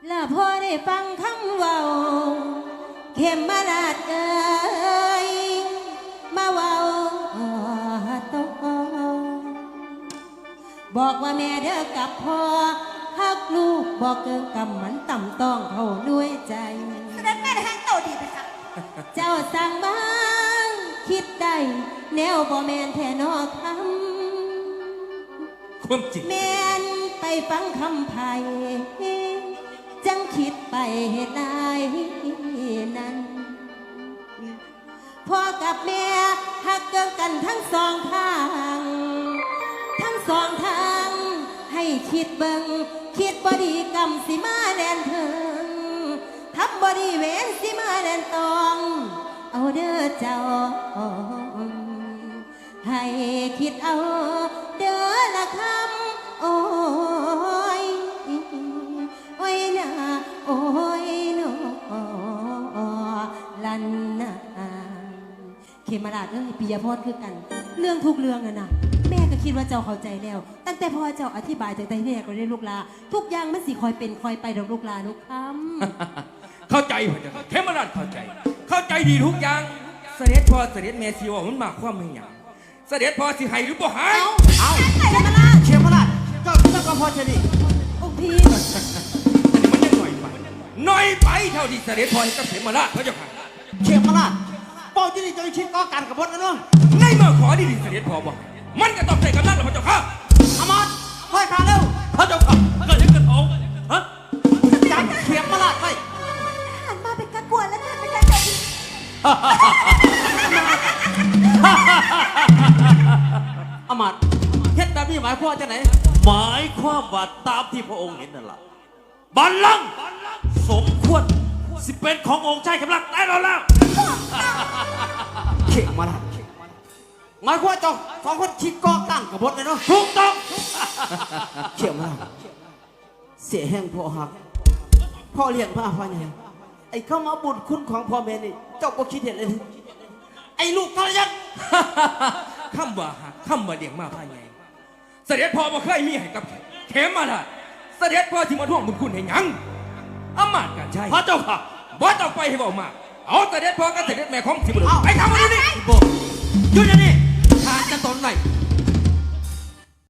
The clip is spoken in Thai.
และพอได้ฟังคำเว้าเข็มมาลาดเอ่ยมาเว้าโตบอกว่าแม่เด้อกับพ่อฮักลูกบอกเกินกำมันต่ำต้องเขาด้วยใจแสดงแม่แห้งโตดีไปครับเจ้าสั่งบ้างคิดได้แนวบ่แมนแท่นอคำความจริงแมนไปฟังคำไผ่จังคิดไปเหตุใดนั้นพ่อกับแม่หักเกินกันทั้งสองทางทั้งสองทางให้คิดเบิ่งคิดบ่ดีกรรมสิมาแดนเถิงทับบดีเวนสิมาแดนตองเอาเด้อเจ้าให้คิดเอาเด้อละคำโอ้ยโอ้ยนะโอ้ยโนลันนาเขมราชเอ้ยปิยพรคือกันเรื่องทุกเรื่องนะแม่ก็คิดว่าเจ้าเข้าใจแล้วตั้งแต่พ่อเจ้าอธิบายจากใจแม่ก็ได้ลูกลาทุกอย่างมันสิคอยเป็นคอยไปดอกลูกลาลูกคำเข้าใจพ่อจ้ะเขมราชเข้าใจดีทุกอย่างเสด็จพ่อเสด็จแม่สิว่ามันมากความไม่หยังเสด็จพ่อสิให้หรือบ่ให้เอาเขมราชเจ้าก็พอจะนี่องค์พี่มันยังหน่อยไปเท่าที่เสด็จพ่อให้กับเขมราชพระเจ้าค่ะเขมราชเป้าที่นี่จะคิดก่อการกบฏนะเนาะในเมื่อขอดีเสด็จพ่อบอกมันก็ต้องใส่กำลังหรอพระเจ้าค่ะอมาตย์ค่อยขาเร็วพระเจ้าค่ะเกิดยังเกิดเอาฮะจับเขมราชไปหันมาเป็นกระกวนแล้วเป็นกระจกอมาตย์เฮ็ดแบบนี้หมายความว่าจะไหนหมายความว่าตามที่พระองค์เห็นนั่นแหละบัลลังก์สมควรสิเป็นขององค์ชายกำลังได้แล้วเขมราชหมายความว่าเจ้าสองคนคิดก่อตั้งกบฏเลยเนาะถูกต้องเขมราชเสียแห้งพ่อหักพ่อเลี้ยงมาพ่อใหญ่ไอ้เข้ามาบุญคุณของพ่อแม่นี่เจ้าก็คิดเห็นเลยไอ้ลูกทรยศคำว่าหักคำว่าเลี้ยงมาภายในเสด็จพ่อบ่เคยมีให้กับเขมราชเสด็จพ่อที่มาท่วงบุญคุณให้หยังอำมาตย์การใช้พระเจ้าค่ะบ่ต้องไปให้บอกมากเอาเสด็จพ่อกับเสด็จแม่ของสิบุรุษไปทำอะไรนี่หยุดอย่างนี้ทานจะตนไหน